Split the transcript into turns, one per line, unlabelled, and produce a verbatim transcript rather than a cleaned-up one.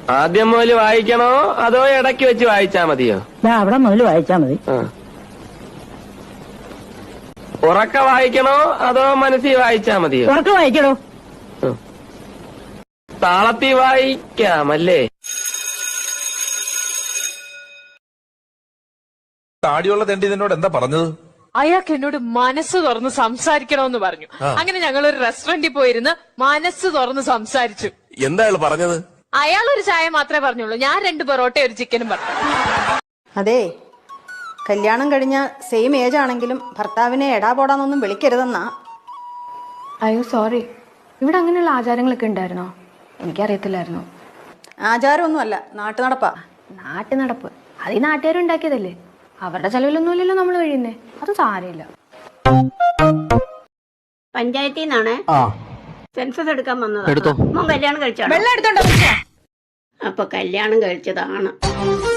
ആദ്യം മുതൽ വായിക്കണോ അതോ ഇടയ്ക്ക് വെച്ച് വായിച്ചാ മതിയോ?
അവിടെ മുതൽ വായിച്ചാ മതി.
ഉറക്ക വായിക്കണോ അതോ മനസ്സിൽ വായിച്ചാ മതിയോ?
ഉറക്ക വായിക്കണോ?
താളത്തിൽ വായിക്കാമല്ലേ?
താടിയുള്ള തെണ്ടി നിന്നോട് എന്താ പറഞ്ഞത്?
അയാൾക്ക് എന്നോട് മനസ്സ് തുറന്ന് സംസാരിക്കണമെന്ന് പറഞ്ഞു. അങ്ങനെ ഞങ്ങൾ ഒരു റെസ്റ്റോറന്റിൽ പോയിരുന്ന് മനസ്സ് തുറന്ന് സംസാരിച്ചു.
എന്താ അയാൾ പറഞ്ഞത്?
അയാൾ ഒരു ചായ മാത്രമേ പറഞ്ഞുള്ളൂ, ഞാൻ രണ്ട് പൊറോട്ട ഒരു ചിക്കനും പറഞ്ഞു.
അതെ, കല്യാണം കഴിഞ്ഞ സെയിം ഏജ് ആണെങ്കിലും ഭർത്താവിനെ എടാ പോടാന്നൊന്നും വിളിക്കരുതെന്നാ.
അയ്യോ സോറി, ഇവിടെ അങ്ങനെയുള്ള ആചാരങ്ങളൊക്കെ ഉണ്ടായിരുന്നോ? എനിക്കറിയത്തില്ലായിരുന്നു.
ആചാരമൊന്നുമല്ല, നാട്ടു നടപ്പാ.
നാട്ടു നടപ്പ് അത് ഈ നാട്ടുകാരുണ്ടാക്കിയതല്ലേ, അവരുടെ ചെലവിലൊന്നുമില്ലല്ലോ നമ്മൾ കഴിയുന്നേ, അത് സാരമില്ല.
പഞ്ചായത്തിൽ നിന്നാണ് സെൻസസ് എടുക്കാൻ വന്നത്. മോൻ കല്യാണം കഴിച്ചാണ്.
വെള്ളം എടുത്തോണ്ടോ?
അപ്പൊ കല്യാണം കഴിച്ചതാണ്.